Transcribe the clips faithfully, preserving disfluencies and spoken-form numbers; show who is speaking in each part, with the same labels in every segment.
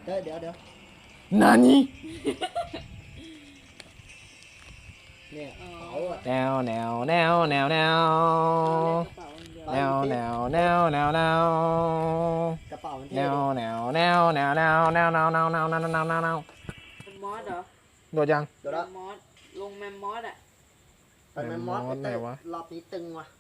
Speaker 1: เดี๋ยวเดี๋ยวเดี๋ยว
Speaker 2: นานี่
Speaker 1: เนี่ยเขาอะ
Speaker 2: แนวแนวแนวแนวแนว
Speaker 3: เล่นกระเป๋าอย่างเดียว
Speaker 2: แนวแนวแนวแนวแนว
Speaker 1: กระเป๋ามัน
Speaker 2: แน
Speaker 1: เท่
Speaker 2: วแนวแนวแนวแนวแนวแนวแนวแนวแนวแนวแนวแนว
Speaker 3: เป็นมอสเหรอ
Speaker 2: โดดยัง
Speaker 1: เดี๋ยว
Speaker 3: แม
Speaker 1: ละ
Speaker 3: มมอสลงแมมมอสอ่ะ
Speaker 1: ไปแมมมอส
Speaker 2: แมมมอสไหนวะ
Speaker 1: รอบนี้ตึงว่ะ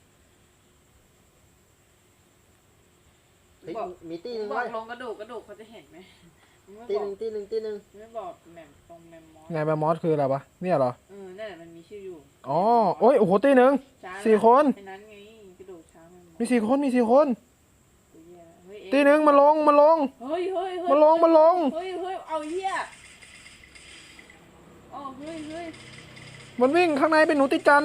Speaker 1: เฮ้ย
Speaker 3: บอก
Speaker 1: มีตีห
Speaker 3: มึ
Speaker 1: นึ่
Speaker 3: ง
Speaker 1: ง
Speaker 3: บอ
Speaker 1: ไว้
Speaker 3: กลงกระดูกกระดูกเขาจะเห็นไหมมึงไม่
Speaker 1: ตี
Speaker 3: บ
Speaker 1: ห
Speaker 3: อก
Speaker 1: นึ่งตีหนึ่งตีหนึ่ง
Speaker 3: ไม่บอกแมมตรงแมมมอส
Speaker 2: ไงแบมอสคืออะไรวะเนี่ยเหรอ
Speaker 3: เออนั่นแหละมันมีชื่ออยู่
Speaker 2: อ๋อโอ้ยโอ้โหตีหนึ่ง
Speaker 3: ช้าง
Speaker 2: สี่คน
Speaker 3: ไอ้นั้นไงกระดูกช้างแมมมอส
Speaker 2: มีสี่คนมีสี่คน
Speaker 3: เหี้ยเฮ้ยเอ๊ะ
Speaker 2: ตีหนึ่งมาลงมาลง
Speaker 3: เฮ้ยเฮ้ยเฮ้ย
Speaker 2: มาลงมาลง
Speaker 3: เฮ้ยเฮ้ยเอาเหี้ยอ๋อเฮ้ยเฮ้ย
Speaker 2: มันวิ่งข้างในเป็นหนูติดจัน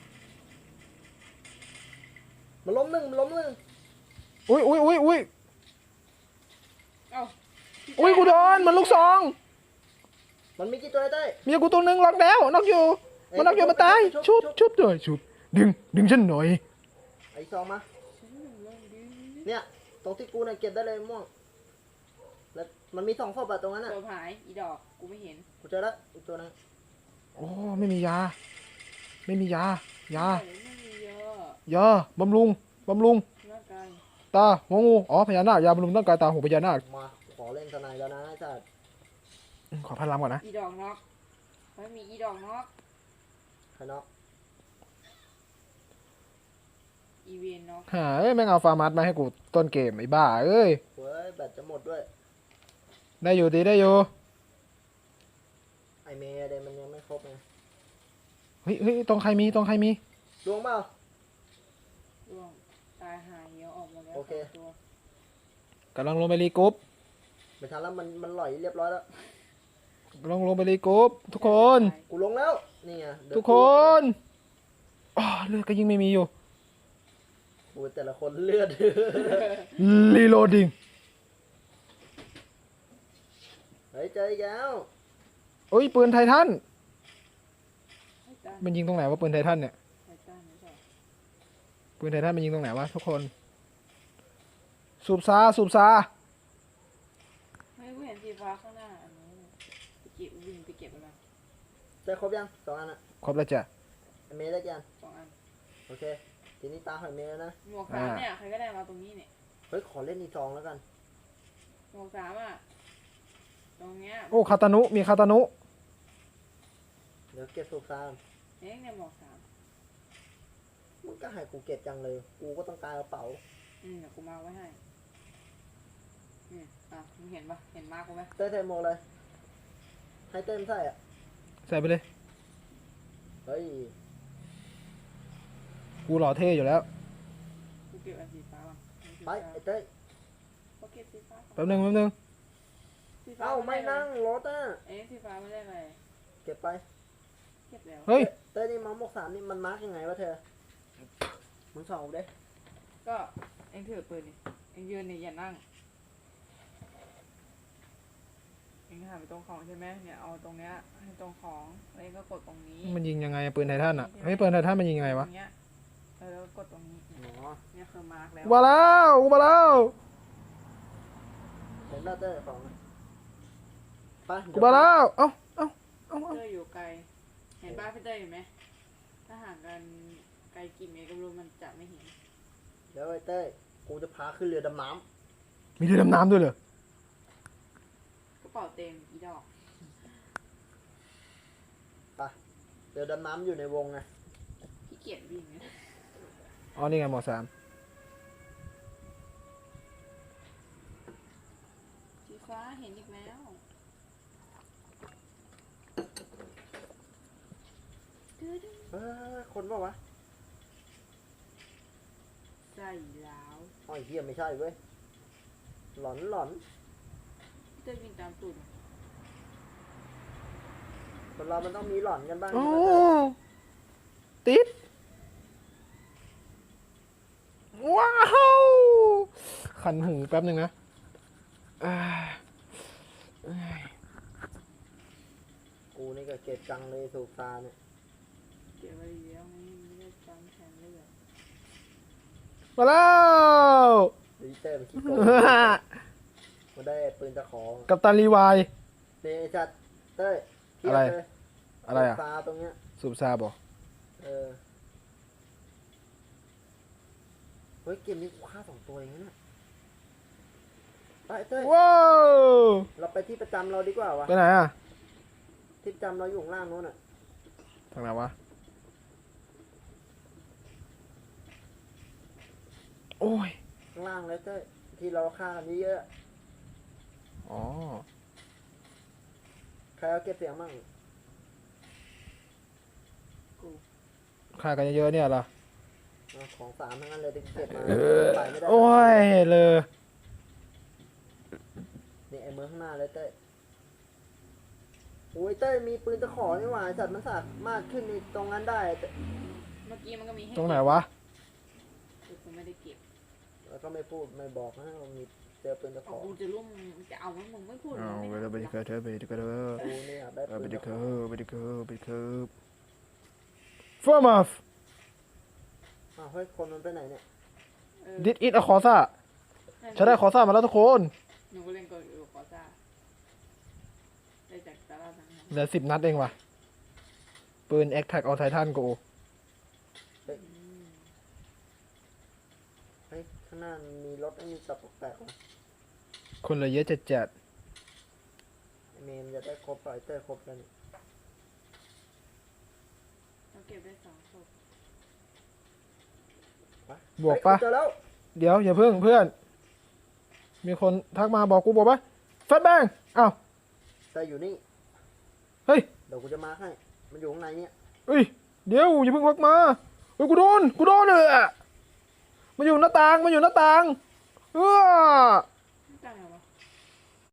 Speaker 1: มันล้มหนึ่งมันล้มหนึ่ง
Speaker 2: อุ้ยอุ้ยอุ้ยอุ้ย
Speaker 3: เอ้า
Speaker 2: อุ้ยกูโดนมันลูกซอง
Speaker 1: มันมีกี่ตัวไอ้เต้ย
Speaker 2: เมียกูตัวหนึ่งล็อกแล้วน็อกอยู่มันน็อกอยู่มาตายชุบชุบเลยชุบดึงดึงฉันหน่อย
Speaker 1: ไอ้ซองมา
Speaker 3: ฉันหนึ่งเรื่องดี
Speaker 1: เนี่ยตรงที่กูเนี่ยเก็บได้เลยม่วงแล้วมันมีสองศพอะตรงนั้นอะ
Speaker 3: ตัวหายอีดอกกูไม่เห็น
Speaker 1: กูเจอแล้วอีกตัวนึง
Speaker 2: โอ้ไม่มียา ไม่มียายา
Speaker 3: โอ้ยไม่มีเยอะ
Speaker 2: ยาบำรุงบำรุง
Speaker 3: ร่างกาย
Speaker 2: ตาหัวงูอ๋อพญานาคยาบำรุงร่างกายตาหูพญานาค
Speaker 1: มาขอเล่นทนายแล้วนะไอ้สัตว์
Speaker 2: ขอพลังก่อนนะ
Speaker 3: อีดอกน็อกไม่มีอีดอกน็อก
Speaker 1: ใครน็อก
Speaker 3: อีเวนน็อก
Speaker 2: หาเอ้ยแม่งเอาฟาร์มัสมาให้กูต้นเกมไอ้บ้าเอ้ย
Speaker 1: เว้ยแบตจะหมดด้วย
Speaker 2: ได้อยู่ดีได้อยู่
Speaker 1: ไอเมย์เดยมันยังไม่ครบไง
Speaker 2: เฮ้ยเฮ้ยตรงใครมีตรงใครมี
Speaker 1: ดวงเปล่า
Speaker 3: ร่วงตายหายเหี่ยวออกหมดแล้ว
Speaker 1: โอเค
Speaker 3: สงตัว
Speaker 2: กำลังลงไปรีกรุ๊ป
Speaker 1: ไม่ทันแล้วมันมันหล่อยเรียบร้อยแล้ว
Speaker 2: กำลังลงไปรีกรุ๊ปทุกคน
Speaker 1: กูลงแล้วนี่ไงเดี๋ยว
Speaker 2: ทุกคนอ๋อเลือดก็ยิ่งไม่มีอยู่
Speaker 1: กูแต่ละคนเลือด
Speaker 2: รีโหลดดิ้ง
Speaker 1: เฮ้ยเจออีกแล้ว
Speaker 2: โอ้ยปืนไททัน
Speaker 3: ไททัน
Speaker 2: มันยิงตรงไหนวะปืนไททันเนี่ย
Speaker 3: ไททันไม่ใช่
Speaker 2: ปืนไททันมันยิงตรงไหนวะทุกคนสูบซาสูบซา
Speaker 3: ไม่กูเห็นสีฟ้าข้างหน้าอันนี้ไปเก็บวิ่งไปเก็บอะไร
Speaker 1: เจอครบยังสองอันอะ
Speaker 2: ครบแล้วจ้ะ
Speaker 1: ไอเมย์ได้กี่อัน
Speaker 3: สองอัน
Speaker 1: โอเคทีนี้ตาหอยเมย์แล้วนะ
Speaker 3: หมวกสามเนี่ยใครก็ได้มาตรงนี้เนี่ย
Speaker 1: เฮ้ยขอเล่นอีกสองแล้วกัน
Speaker 3: หมวกสามอ่ะตรงเนี้ย
Speaker 2: โอ้คาตานุมีคาตานุ
Speaker 1: เดี๋ยวเก็บสูบซาม
Speaker 3: เอ๊ะเนี่ยหมวกสาม
Speaker 1: มึงก็ให้กูเก็บจังเลย กูก็ต้องการกระเป๋า
Speaker 3: อืมเดี๋ยวกูมาไว้ให้อืมอ่ะมึงเห็นปะเห็นมาร์กกูไหม
Speaker 1: เต้ยเทโมเลย ให้เต้ยมใส่อะ
Speaker 2: ใส่ไปเลย
Speaker 1: เฮ้ย
Speaker 2: กูหล่อเท่อยู่แล้ว
Speaker 3: กูเก็บอันสีฟ้าก่อนอันสี
Speaker 1: ไป
Speaker 3: ฟ้า
Speaker 1: ไอ้เต้ย
Speaker 3: กูเก็บสีฟ้าก่อน
Speaker 2: แป๊บนึงแป๊บนึง
Speaker 3: สีฟ้
Speaker 1: เอ้าไม่นั่งรถอะ
Speaker 3: เอ๊ะสีฟ้าไม่ได้อะไร
Speaker 1: เก็บไป
Speaker 3: เก็บแล้ว
Speaker 2: เฮ้ย
Speaker 1: เต้ยนี่มาหมกสามนี่มันมาร์กยังไงวะเธอ มึงส่องกูดิ
Speaker 3: ก็เอ็งถือปืนดิเอ็งยืนนี่อย่านั่งเอ็งหันไปตรงของใช่ไหมเนี่ยเอาตรงเนี้ยให้ตรงของแล้วเอ็งก็กดตรงนี้
Speaker 2: มันยิงยังไงอะปืนไททันอ่ะเฮ้ยปืนไททันมันยิงยังไงวะ
Speaker 3: ตรงเนี้ยเออแล้วก็กดตรงนี้เนี่ย
Speaker 1: อ๋อ
Speaker 3: เนี่ยคือมาร์กแล้ว
Speaker 2: กูมาแล้วกูมาแล้ว
Speaker 1: เห็นแล้วเต้ยของอะไป
Speaker 2: กูมาแล้วเอ้าเอ้าเอ้าเอ้า
Speaker 3: เตอร์อยู่ไกลเห็นบ้านพี่เตอร์เห็นไหมถ้าห่างกันไกลกี่เมตรก็ไม่รู้มันจะไม่เห็น
Speaker 1: เดี๋ยวไอ้เต้ย กูจะพาขึ้นเรือดำน้
Speaker 2: มีเรือดำน้ำด้วยเหรอก
Speaker 3: ระเป๋าเต็มอีดอก
Speaker 1: ำไปเรือดำน้ำอยู่ในวงไง
Speaker 3: พี่เกียจวิ่งเนี่ย
Speaker 2: อ๋อนี่ไงหมอสาม
Speaker 3: สีฟ้าเห็นอีกแล้ว
Speaker 1: เฮ้ยคนเปล่าวะ
Speaker 3: ใส่แล้ว
Speaker 1: อ๋อไอ้เหี้ยไม่ใช่เว้ย หลอนหลอน
Speaker 3: พี่เตอร์วิ่งตามตูด
Speaker 1: คนเรามันต้องมีหลอนกันบ้าง
Speaker 2: โอ้
Speaker 1: ใช่ไหมเต้ย
Speaker 2: ติดว้าวขันหูแป๊บนึงนะเอ้ยเอ้ย
Speaker 1: กูนี่ก็เก็บจังเลยสูบซาเนี่ย
Speaker 3: เก็บไว้ดีแล้วไงไม่ได้จำแทนเลือด
Speaker 2: มาแล้ว
Speaker 1: ดิเต้ยมันขี้โกง มมันได้ปืนตะขอ
Speaker 2: กัปตันรีวาย
Speaker 1: เนี่ยไอ้จัดเต้ยเทียบ
Speaker 2: อะไร
Speaker 1: เลย
Speaker 2: อะไรอ่ะ
Speaker 1: ตาตรงเนี้ย
Speaker 2: สูบซาบอ
Speaker 1: เออเฮ้ยเกมนี้กูฆ่าสองตัวเองนะเนี่ยไปเต้ย
Speaker 2: ว้าว
Speaker 1: เราไปที่ประจำเราดีกว่าวะ
Speaker 2: ไปไหนอ่ะ
Speaker 1: ที่ประจำเราอยู่ข้างล่างนู้นอ่ะ
Speaker 2: ทางไหนวะ โอ้ย
Speaker 1: ข้างล่างเลยเต้ยที่เราฆ่ากันเยอะ
Speaker 2: อ๋อ
Speaker 1: ๆใครเอาเก็บเสียงมั่ง
Speaker 3: กู
Speaker 2: ฆ่ากันเยอะๆเนี่ยเหรอ
Speaker 1: เอาของสามทั้งนั้นเลยที่เก็บมาไปไม่ได้
Speaker 2: โอ้ย เลย
Speaker 1: นี่ไอ้เมืองข้างหน้าเลยเต้ยโอ้ยเต้ยมีปืนตะขอนี่หว่าไอ้สัตว์มันสามารถขึ้นในตรงนั้นได้แต่
Speaker 3: เมื่อกี้มันก็มีให้
Speaker 2: ตรงไหนวะ
Speaker 3: แต่กูไม่ได้เก็บ
Speaker 1: แล้วก็ไม่พูดไม่บอกนะว่ามีเจอปืนตะข
Speaker 3: เอา
Speaker 1: อ
Speaker 3: กูจะร่วมจะเอามันมึงไม่พูด
Speaker 2: เอา
Speaker 3: มึง
Speaker 2: ไป
Speaker 3: ไม่
Speaker 2: เลยไปดิเกิดเถอะไปดิเกิดเถอะ
Speaker 1: กูเนี่ยได้
Speaker 2: เอา
Speaker 1: ปื
Speaker 2: ไป
Speaker 1: น
Speaker 2: ดิ
Speaker 1: ตะข
Speaker 2: เกิ
Speaker 1: อ
Speaker 2: ดไปดิเกิดไปดิเกิดฟอร์มาฟ
Speaker 1: อ้าวเฮ้ยคนมันไปไหนเนี่ย
Speaker 3: เออ
Speaker 2: ดิดอิทอะคอซ่าฉันได้คอซ่ามาแล้วทุกคน
Speaker 3: หนูก็เล่นกดอยู่ขอซ่าได้จากตลาดนั้น
Speaker 2: เหลือสิบนัดเองว่ะ ปืนแอคแท็กเอาไททันกู
Speaker 3: อืม
Speaker 1: เฮ้ยข้างหน้ามีรถไอ้มีตับแปลกๆว่ะ
Speaker 2: คนเหลือเยอะจัดจัด
Speaker 1: ไอ้เมมจะได้ครบไฟเตอร์ครบแล้วนี่
Speaker 3: เราเก็บได้สองศพ
Speaker 1: ไป
Speaker 2: บวกปะ
Speaker 1: เฮ้ยเจอแล้ว
Speaker 2: เดี๋ยวอย่าเพิ่งเพื่อน มีคนทักมาบอกกูบอกว่าแฟตแบงอ้าว
Speaker 1: แต่อยู่นี่
Speaker 2: เฮ้ย
Speaker 1: เดี๋ยวกูจะมาให้ มันอยู่ข้างในเนี่ย
Speaker 2: เอ้ย เดี๋ยวอย่าเพิ่งพักมาเฮ้ยกูโดน กูโดนเลยอะมันอยู่หน้าต่าง มันอยู่หน้าต่างเออ